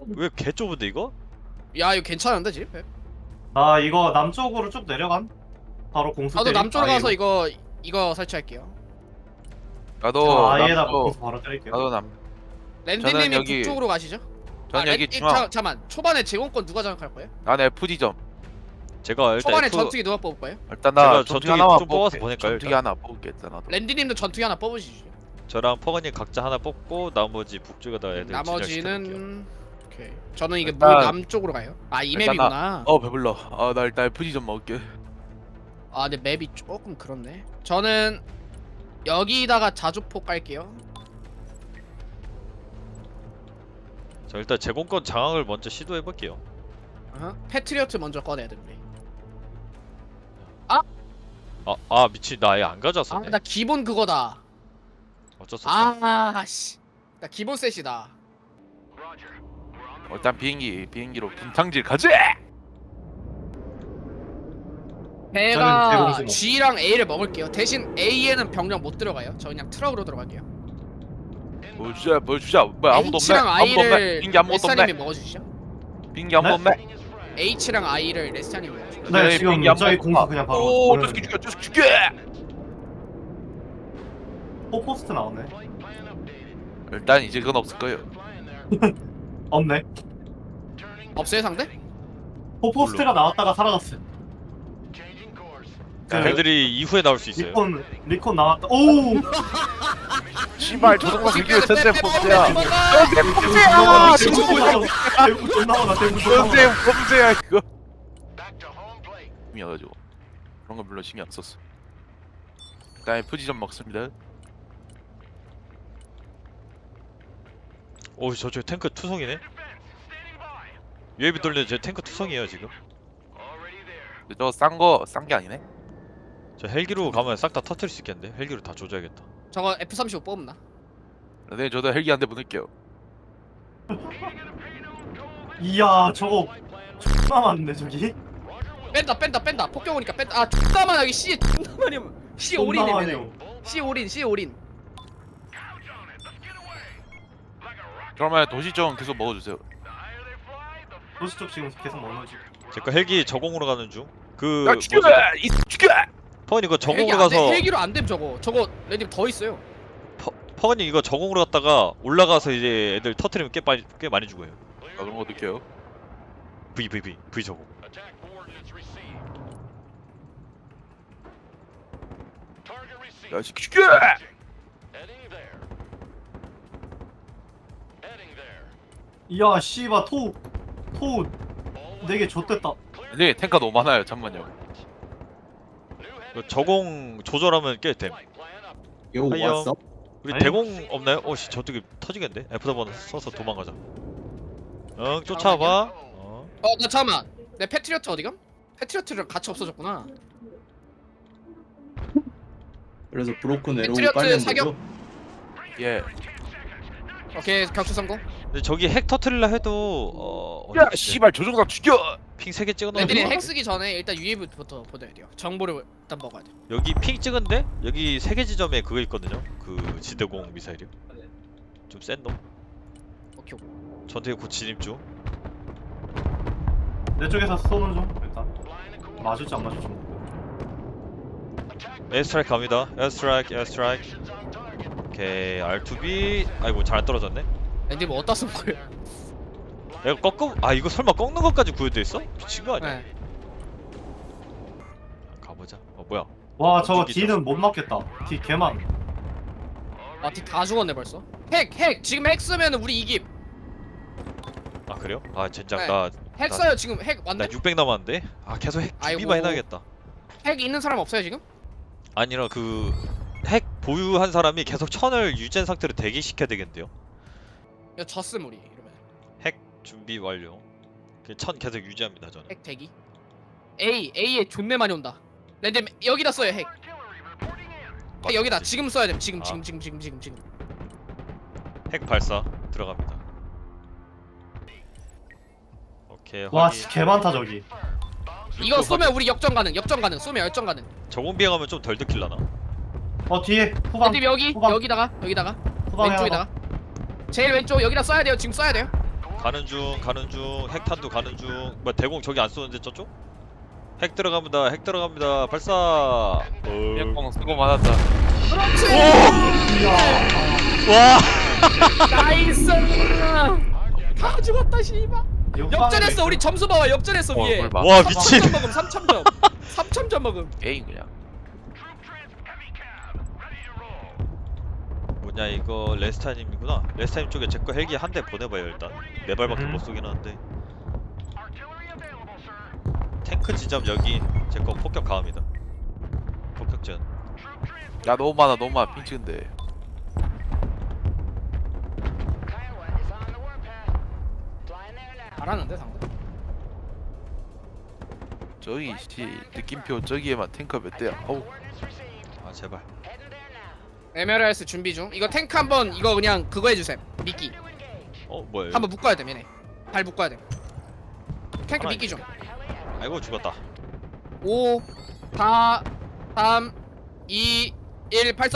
왜 개 좁은데 이거? 야 이거 괜찮은데 집? 나 이거 남쪽으로 쭉 내려간. 바로 공수 나도 때리. 남쪽으로 가서 아이로. 이거 설치할게요. 나도 아예다 남쪽. 공수 바로 때릴게요. 나도 남. 랜디님이 여기- 북쪽으로 가시죠. 전 여기 중앙. 잠깐만 초반에 제공권 누가 장악할 거예요? 나는 FD점. 제가 일단 초반에 F, 전투기 누가 뽑을 거예요? 일단 제가 나 전투기 전투기 하나만 좀 뽑아서 뽑을게. 보낼까요, 전투기 일단? 하나 뽑을게 일단 나도. 랜디님도 전투기 하나 뽑으시죠. 저랑 퍼거님 각자 하나 뽑고 나머지 북쪽에다가 애들 진열시켜놓을게요. 나머지는 오케이. 저는 이게 일단- 남쪽으로 가요. 아 이 일단 맵이구나. 배불러. 나 일단 FD점 먹을게. 아 근데 맵이 조금 그렇네. 저는 여기다가 자주포 깔게요. 저 일단 제공권 장악을 먼저 시도해볼게요. 패트리어트 먼저 꺼내야 돼 우리. 미친, 나 아예 안 가져왔었네. 아나 기본 그거다. 어쩔 수 없어. 아씨. 나 기본 셋이다. 일단 비행기로 분탕질 가지. 저는 제가 제공수 G랑 A를 먹을게요. 대신 A에는 병력 못 들어가요. 저 그냥 트럭으로 들어갈게요. 보여주자. 뭐야 아무도 없네. H랑 아무도 없네. I를 비행기 아무것도 레스타님이 없네. 먹어주시죠. 비행기 아무도 네? 없네. H랑 I를 레스타님이 먹어주시죠. 네 네, 지금 비행기 안 저희 먹고 공수 가. 그냥 바로. 오, 보내는 저 거예요. 죽여. 포스트 나오네. 일단 이제 그건 없을 거예요. 없네. 없어요 상대? 포스트가 나왔다가 사라졌어. 애들이 이후에 나올 수 있어요. 리콘 나왔다. 오. 씨발 조동사 그게 센세 범죄야. 아, 대구 존나 많아. 대구 존나 센세 많아. 범죄야 이거. 미안가지고 그런 거 별로 신경 안 썼어. 일단 FD점 먹습니다. 오, 저쪽 탱크 투성이네. UAV 돌리는 제 탱크 투성이에요 지금. 근데 저거 싼 게 아니네. 저 헬기로 가면 싹 다 터트릴 수 있겠는데. 헬기로 다 조져야겠다. 저거 F35 뽑나? 네, 저도 헬기 한 대 보낼게요. 이야 저거 존나 많네 저기. 뺀다 폭격 오니까 뺀다. 아 존나만 여기 C 존나만이 C 존나 올인이네. 많네요. C 올인. 그러면 도시 좀 계속 먹어주세요. 도시 쪽 지금 계속 먹는 중. 제거 헬기 저공으로 가는 중. 그 야 죽여! 이 죽여! 퍼거님 이거 헬기 저공으로 안 돼. 가서 헬기로 안 됨 저거. 저거 랜디 더 있어요. 퍼거님 이거 저공으로 갔다가 올라가서 이제 애들 터트리면 꽤 많이 죽어요. 그런 거 느껴요. V 저공. 야 죽여! 이야 씨바 토 4개 좆됐다. 네 탱커 너무 많아요. 잠만요. 그 저공 조절하면 꽤 됨. 이거 하이요. 왔어? 우리 아니. 대공 없나요? 오씨 저쪽에 터지겠는데? F4번 써서 도망가자. 응 쫓아봐. 나 잠깐만. 내 패트리어트 어디감? 패트리어트랑 같이 없어졌구나. 그래서 브로큰 에로우 패트리어트 깔면 사격. 되죠? 예. 오케이 격추 성공. 근데 저기 핵 터트릴라 해도 야 씨발 조종사 죽여! 핑 3개 찍어놓은 랜디님 거 핵 쓰기 전에 일단 UAV부터 보내야 돼요. 정보를 일단 먹어야 돼. 여기 핑 찍은데 여기 3개 지점에 그거 있거든요. 그 지대공 미사일이요. 좀 센 놈. 오케이. 전투에 곧 진입 중. 내 쪽에서 쏘는 중 일단. 맞을지 안 맞을지. 에어스트라이크 갑니다. 에어스트라이크. 오케이 R2B. 아이고 잘 안 떨어졌네. 랜디 뭐 어디다 쓴 거예요? 내가 이거 설마 꺾는 것까지 구현돼 있어? 미친 거 아니야? 네. 가보자. 뭐야? 와 저거 죽이죠. D는 못 맞겠다. D 개만. 다 죽었네 벌써. 핵 지금 핵 쓰면 우리 이김. 아 그래요? 아 젠장 네. 나 핵 써요 지금 핵 나 맞네? 600 남았는데? 아 계속 핵 아이고. 준비만 해놔야겠다. 핵 있는 사람 없어요 지금? 아니라 그 핵 보유한 사람이 계속 천을 유지한 상태로 대기시켜야 되겠는데요? 야 졌음 우리 이러면. 핵 준비 완료. 그 천 계속 유지합니다 저는. 핵 대기. A에 존내 많이 온다. 랜디 여기다 써요 핵. 핵 여기다 지금 써야 돼. 지금. 핵 발사 들어갑니다. 오케이 와 확인. 개 많다 저기. 이거 쏘면 우리 역전 가능. 쏘면 역전 가능. 저공 비행하면 좀 덜 느낄라나? 뒤에 후방. 랜디 후방. 여기다가 후방에 왼쪽에다가. 제일 왼쪽 여기다 써야 돼요. 지금 써야 돼요. 가는 중 핵탄두 가는 중. 뭐 대공 저기 안 쏘는데 저쪽? 핵 들어갑니다. 핵 들어갑니다. 발사. 뻥 쓰고 맞았다. 그렇지. 와. 나이스. 다 죽었다 씨발. 역전했어. 우리 점수 봐봐. 역전했어 위에. 뭘 봐. 와 미친. 3점 먹음. 3점. 3점 먹음. 게임 그냥. 뭐냐 이거 레스타님이구나. 레스타님 쪽에 제 거 헬기 한 대 보내봐요 일단. 네 발밖에 못 쏘긴 하는데. 탱크 지점 여기 제 거 폭격 가합니다. 폭격전. 야 너무 많아 핑 찍은데. 잘하는데 상대. 저기 씨 느낌표 저기에만 탱커 몇 대야. 어우. 아 제발. 에메랄스 준비 중. 이거 탱크 한번 이거 그냥 그거 해주셈. 미끼. 뭐야? 한번 묶어야 돼 얘네. 발 묶어야 돼. 탱크 하나 미끼 중. 아이고 죽었다. 5 4 3 2 1 발사.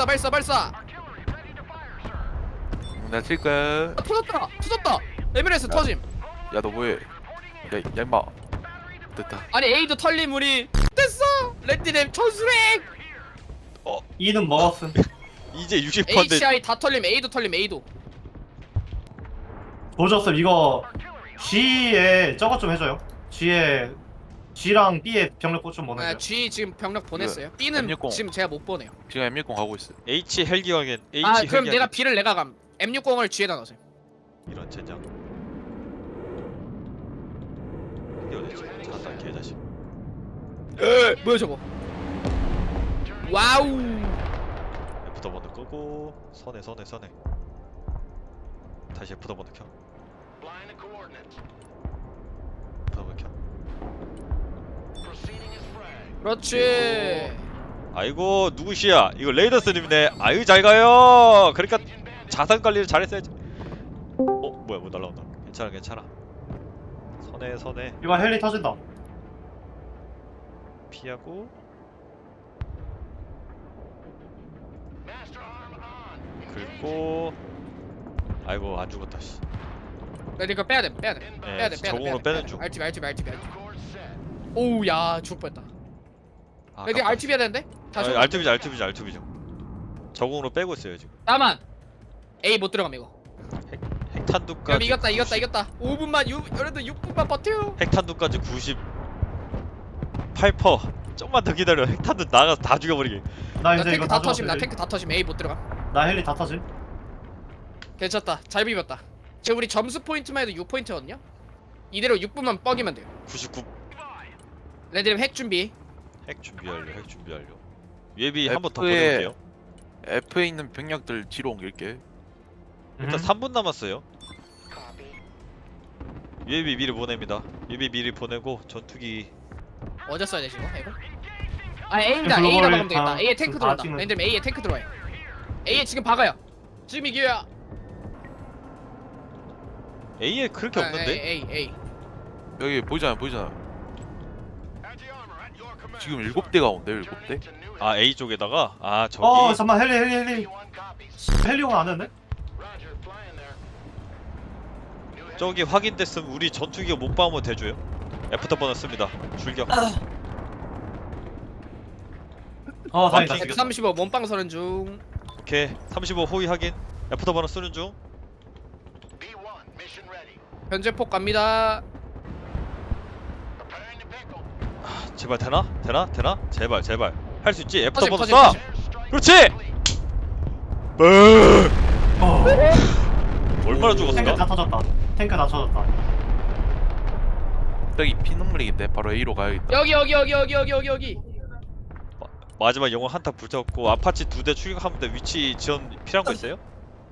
내가 칠 거야. 아, 터졌다. 에메랄스 터짐. 야 너 뭐해? 야 임마. 됐다. 아니 에이드 털림 우리 됐어. 랜디램 전수랭. E는 먹었음. 이제 60%인데 HI 다 털림. A도 털림. A도. 보셨음. 이거 G에 저것 좀 해줘요. G랑 B에 병력 꽃 좀 아, 보내줘요. G 지금 병력 보냈어요. B는 M60. 지금 제가 못 보내요. 지금 M60 가고 있어. H 헬기 확인. H 아 헬기 그럼 내가 확인. B를 내가 감. M60을 G에다 넣으세요. 이런 젠장. 이게 어딨지? 잘한다 개자식. 뭐야 저거? 와우. F더 번호 끄고 선에. 다시 F더 번호 켜. F더 번호 켜. 그렇지. 아이고 누구시야? 이거 레이더스님이네. 아유 잘 가요. 그러니까 자산 관리를 잘했어야지. 뭐야 뭐 날라온다. 괜찮아. 선에 이거 헬리 터진다. 피하고. 긁고. 아이고 안 죽었다 씨. 나 이거 빼야 돼. 네, 저공으로 빼는 중. RTB. 오우 야 죽을 뻔했다. 나 이거 RTB 해야 되는데? 다시. RTB죠. 저공으로 빼고 있어요 지금. 나만. A 못 들어감 이거. 핵탄두까지. 그럼 이겼다. 5분만 그래도 6분만 버텨. 핵탄두까지 98%. 좀만 더 기다려. 핵탄두 나가서 다 죽여버리게. 나 나 이제 이거 탱크 다 다 터짐. 죽었어. 나 탱크 다 터짐. A 못 들어감. 나 헬리 다 터짐. 괜찮다. 잘 비볐다. 지금 우리 점수 포인트만 해도 6포인트거든요. 이대로 6분만 뻑이면 돼요. 99. 레드림 핵 준비. 핵 준비 완료. UAV 한 번 더 F에 보내볼게요. F에 있는 병력들 뒤로 옮길게. 일단 3분 남았어요. UAV 미리 보냅니다. UAV 미리 보내고 전투기. 어제 써야 되지 이거? 이거? 아 A다. 글로벌 A다 박으면 되겠다. 다- A에 탱크 다 들어온다. 찍는- 레드림 A에 탱크 들어와요. A에 지금 박아요. 지금 이겨야. A에 그렇게 없는데? A. 여기 보이잖아. 지금 7대가 온대 7대? 아 A 쪽에다가 저기. 잠깐만 헬리. 헬리오가 안 됐네? 저기 확인됐음. 우리 전투기가 못 박으면 대줘요. F터 번호 씁니다. 출격. 다행이다. 맞다. 135 몸빵 서는 중. 오케이. 35 호위 확인. F터 번호 쓰는 중. 현재폭 갑니다. 제발 되나? 제발. 할 수 있지? F터 번호 터짐. 쏴. 그렇지. 얼마나 탱크 죽었을까? 다 터졌다. 저기 피눈물이긴데 바로 A로 가야겠다. 여기. 마지막 영웅 한타 붙였고 아파치 2대 추격하면 돼. 위치 지원 필요한 거 있어요?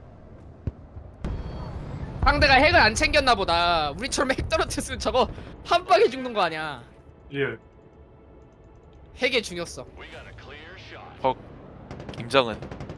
상대가 핵을 안 챙겼나 보다. 우리처럼 핵 떨어뜨렸으면 저거 한 방에 죽는 거 아니야. 리얼. 핵의 중요성. 김장은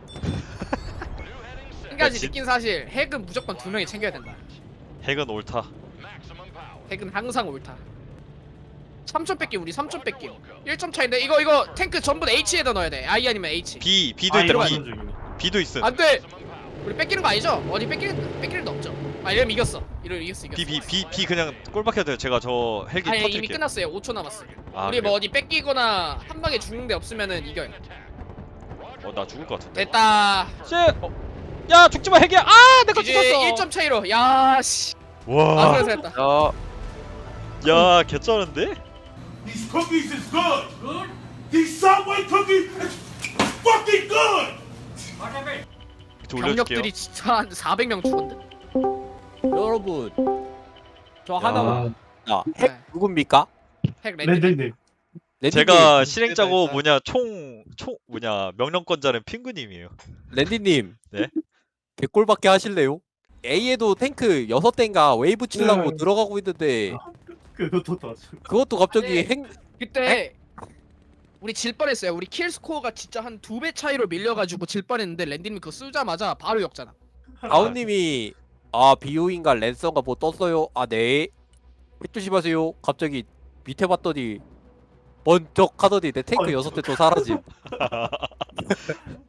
한 가지 진- 느낀 사실. 핵은 무조건 2명이 챙겨야 된다. 핵은 옳다. 핵은 항상 옳다. 3점 뺏기 우리 3점 뺏기. 1점 차인데 이거 탱크 전부 다 H에다 넣어야 돼. I 아니면 H. B도 있다. 들어가야 B도 있음. 안 돼. 우리 뺏기는 거 아니죠? 어디 뺏길 일 없죠. 아 이러면 이겼어. 이러면 이겼어. B 그냥 꼴박해도 돼요. 제가 저 헬기 아니 이미 터뜨릴게요. 끝났어요. 5초 남았어. 아, 우리 뭐 그래요? 어디 뺏기거나 한 방에 죽는 데 없으면은 이겨요. 나 죽을 것 같은데. 됐다. 씨, 야 죽지마 헬기야. 아 내거 이제 죽었어. 1점 차이로. 야 씨. 와, 아 그래서 했다. 야 개쩌는데? These cookies is good. Good? These Subway cookies is fucking good. 저 올려줄게요. 병력들이 진짜 한 400명 죽었는데. 여러분 저 하나만 아, 핵 네. 누굽니까? 핵 랜드. 랜드님. 랜디님, 제가 실행자고 일단. 뭐냐 총 뭐냐 명령권자는 핑크님이에요. 랜디님 네? 개꼴밖에 하실래요? A에도 탱크 6대인가 웨이브 치려고 네. 들어가고 있는데 그것도 더. 그것도 갑자기 네. 핵 그때 우리 질 뻔했어요. 우리 킬 스코어가 진짜 한 2배 차이로 밀려가지고 질 뻔했는데 랜디님 그거 쓰자마자 바로 역잖아. 다운님이 아 비오인가 랜선가 뭐 떴어요? 아네 핵 조심하세요. 갑자기 밑에 봤더니 번쩍 하더니 내 탱크 어이. 6대 또 사라짐.